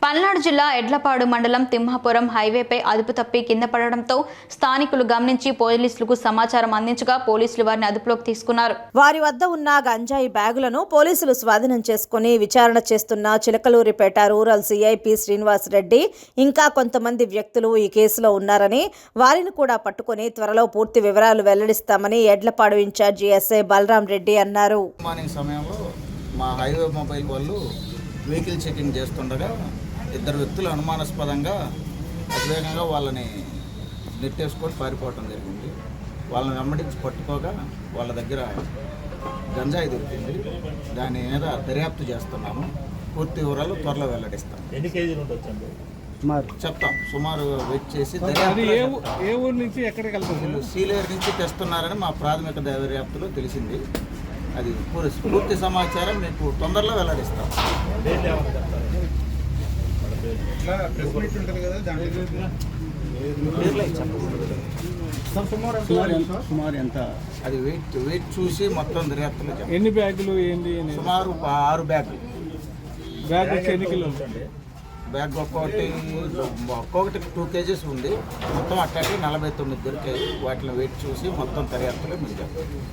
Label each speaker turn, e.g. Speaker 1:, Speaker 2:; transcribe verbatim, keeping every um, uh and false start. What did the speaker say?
Speaker 1: పల్నాడు జిల్లా ఎడ్లపాడు మండలం తిమ్మాపురం హైవేపై అదుపు తప్పి కింద పడడంతో స్థానికులు గమనించి పోలీసులకు సమాచారం అందించగా పోలీసులు వారిని అదుపులోకి తీసుకున్నారు.
Speaker 2: వారి వద్ద ఉన్న గంజాయి బ్యాగులను పోలీసులు స్వాధీనం చేసుకుని విచారణ చేస్తున్న చిలకలూరిపేట రూరల్ సిఐపి శ్రీనివాస్ రెడ్డి ఇంకా కొంతమంది వ్యక్తులు ఈ కేసులో ఉన్నారని, వారిని కూడా పట్టుకుని త్వరలో పూర్తి వివరాలు వెల్లడిస్తామని ఎడ్లపాడు ఇన్ఛార్జి ఎస్ఐ బలరాం రెడ్డి అన్నారు.
Speaker 3: మార్నింగ్ సమయంలో మా హైవే మొబైల్ వాళ్ళు వెహికల్ చెకింగ్ చేస్తుండగా ఇద్దరు వ్యక్తులు అనుమానాస్పదంగా అతివేగంగా వాళ్ళని నెట్టేసుకొని పారిపోవటం జరిగింది. వాళ్ళని వెంబడించి పట్టుకోగా వాళ్ళ దగ్గర గంజాయి దొరికింది. దాని మీద దర్యాప్తు చేస్తున్నాము. పూర్తి వివరాలు త్వరలో వెల్లడిస్తాం.
Speaker 4: ఎన్ని కేజీలు ఉండొచ్చండి
Speaker 3: చెప్తాం. సుమారు వెయిట్ చేసి
Speaker 4: ఏ ఊరు నుంచి ఎక్కడికి వెళ్తారు?
Speaker 3: సీలేరు నుంచి తెస్తున్నారని మా ప్రాథమిక దర్యాప్తులో తెలిసింది. అది పూర్తి సమాచారం మీకు తొందరలో వెల్లడిస్తాం. అది వెయిట్ వెయిట్ చూసి మొత్తం దర్యాప్తులో
Speaker 4: ఎన్ని బ్యాగులు ఏంటి?
Speaker 3: సుమారు ఆరు బ్యాగులు.
Speaker 4: బ్యాగ్ వచ్చి ఎన్ని కిలో ఉంటుంది?
Speaker 3: బ్యాగ్ ఒక్కొక్కటి ఒక్కొక్కటి టూ కేజీస్ ఉంది. మొత్తం అట్లాంటి నలభై తొమ్మిది దొరికాయి. వాటిని వెయిట్ చూసి మొత్తం దర్యాప్తులో మీకు